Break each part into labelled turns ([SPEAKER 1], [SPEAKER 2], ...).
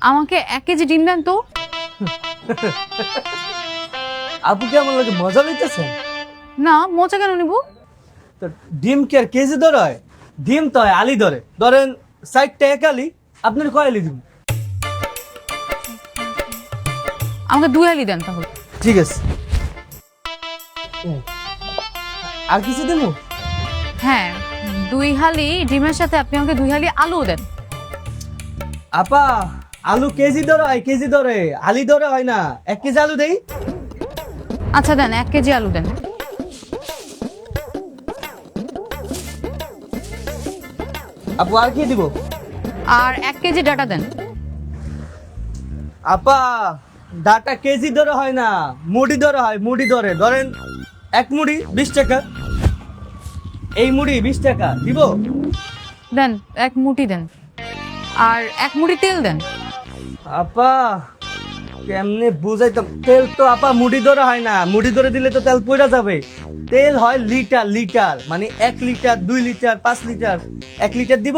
[SPEAKER 1] আমাকে 1 কেজি ডিম দেন তো।
[SPEAKER 2] আপু কি আমার লাগে মজা লইতেছেন?
[SPEAKER 1] না, মোচা কেন নিব?
[SPEAKER 2] তো ডিম কি আর কেজি ধরে হয়? ডিম তো হয় আলি ধরে, ধরেন 60 টাকা আলি, আপনার কয় আলি দিব?
[SPEAKER 1] আমাকে 2 হালি দেন তাহলে।
[SPEAKER 2] ঠিক আছে। আর কিছু দেবো?
[SPEAKER 1] হ্যাঁ, 2 হালি ডিমের সাথে আপনি আমাকে 2 হালি আলু দেন।
[SPEAKER 2] আপা, আলু কেজি ধরে হয়, কেজি ধরে, আলি ধরে হয় না। 1 কেজি আলু দেই।
[SPEAKER 1] আচ্ছা দেন, 1 কেজি আলু দেন।
[SPEAKER 2] আপু আর কি দিব?
[SPEAKER 1] আর 1 কেজি ডাটা দেন।
[SPEAKER 2] আপা, ডাটা কেজি ধরে হয় না, মুড়ি ধরে হয়, মুড়ি ধরে। ধরেন 1 মুড়ি 20 টাকা, এই মুড়ি 20 টাকা দিব।
[SPEAKER 1] দেন 1 মুঠি দেন। আর 1 মুঠি তেল দেন।
[SPEAKER 2] আপা কেমনে বুঝাইতাম? তেল তো আপা মুড়ি ধরে হয় না, মুড়ি ধরে দিলে তো তেল পড়া যাবে। তেল হয় লিটার লিটার, মানে 1 লিটার, 2 লিটার, 5 লিটার। 1 লিটার দিব।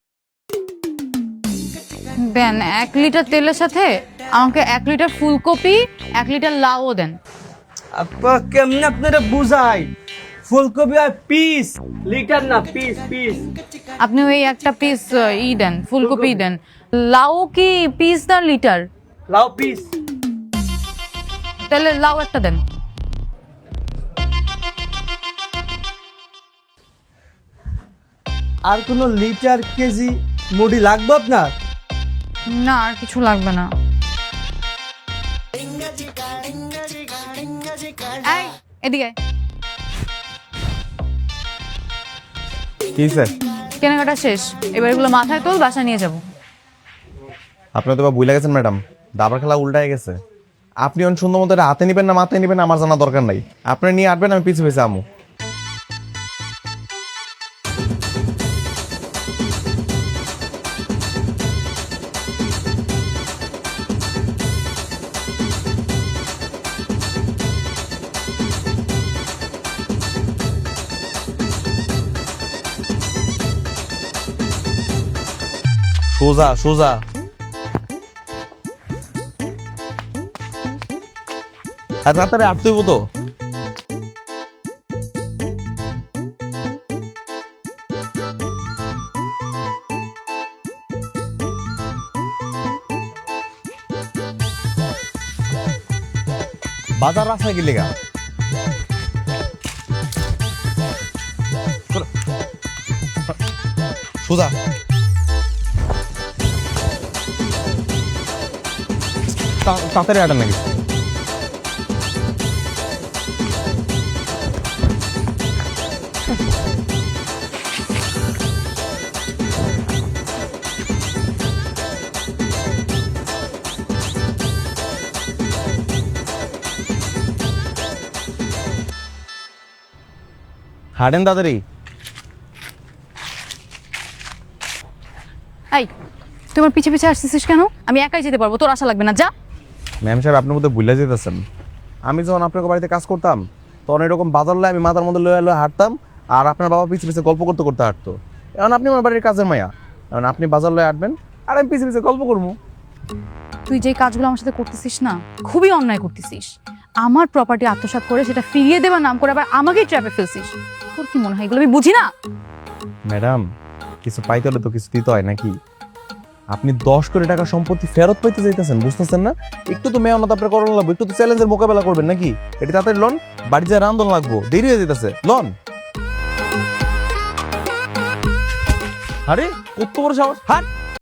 [SPEAKER 1] দেন 1 লিটার তেলের সাথে আমাকে 1 লিটার ফুলকপি, 1 লিটার লাউও দেন।
[SPEAKER 2] আপা কেমনে আপনারা বুঝাই? ফুলকপি আর পিস, লিটার না, পিস পিস।
[SPEAKER 1] আপনি ওই একটা পিস দেন, ফুলকপি দেন। লাউ কি পিস না লিটার?
[SPEAKER 2] লাও পিস।
[SPEAKER 1] তাহলে লাউ একটা দেন।
[SPEAKER 2] আর কোন লিটার কেজি মুড়ি লাগবে আপনার?
[SPEAKER 1] না, আর কিছু লাগবে না। এই, এদিকে আয়।
[SPEAKER 3] কি স্যার?
[SPEAKER 1] কেনাকাটা শেষ, এবার এগুলো মাথায় তোল, বাসা নিয়ে যাব।
[SPEAKER 3] আপনি তো বা ভুলে গেছেন ম্যাডাম, দাবার খেলা উল্টায় গেছে। আপনি অন সুন্দর মতো এটা হাতে নিবেন না মাথায় নিবেন আমার জানা দরকার নাই। আপনি নিয়ে আসবেন, আমি পিছু পিছু আমু। সোজা সোজা। আর তাড়াতাড়ি আটতে হইব তো। বাজার রাস্তায় গেলে গা সোজা। তাড়াতাড়ি আটা নাকি? হাঁটেন তাড়াতাড়ি।
[SPEAKER 1] এই, তোমার পিছে পিছে আসছিস কেন? আমি একাই যেতে পারবো, তোর আশা লাগবে না, যা।
[SPEAKER 3] ম্যাম সাহেব আপনার মধ্যে ভুলে যেতেছেন। আমি যখন আপনার বাড়িতে কাজ করতাম তখন এরকম বাজার লয়ে আমি মাথার মধ্যে লয়ে লয়ে হাঁটতাম, আর আপনার বাবা পিছে পিছে গল্প করতে করতে হাঁটতো। এখন আপনি আমার বাড়ির কাজের মায়া, এখন আপনি বাজার লয়ে হাঁটবেন আর আমি পিছে পিছে গল্প করবো।
[SPEAKER 1] তুই যে কাজগুলো আমার সাথে করতেছিস না, খুবই অন্যায় করতেছিস। আমার প্রপার্টি আত্মসাৎ করে সেটা ফিরিয়ে দেবার নাম করে আবার আমাকেই ট্র্যাপে ফেলছিস। তোর কি মনে হয় এগুলো আমি বুঝি না?
[SPEAKER 3] ম্যাডাম, কিছু পাইতে হলে তো কিছু দিতে হয় নাকি? আপনি 10 কোটি টাকা সম্পত্তি ফেরত পাইতে চাইতেছেন, বুঝতেছেন না? একটু তো মেহনত আপনার করানো লাগবে, একটু তো চ্যালেঞ্জের মোকাবেলা করবেন নাকি? এটা তাড়াতাড়ি লোন, বাড়ি যায় রান্ধন লাগবো, দেরি হয়ে যেতেছে। লোন। আরে কত বড় সাহস! হাট।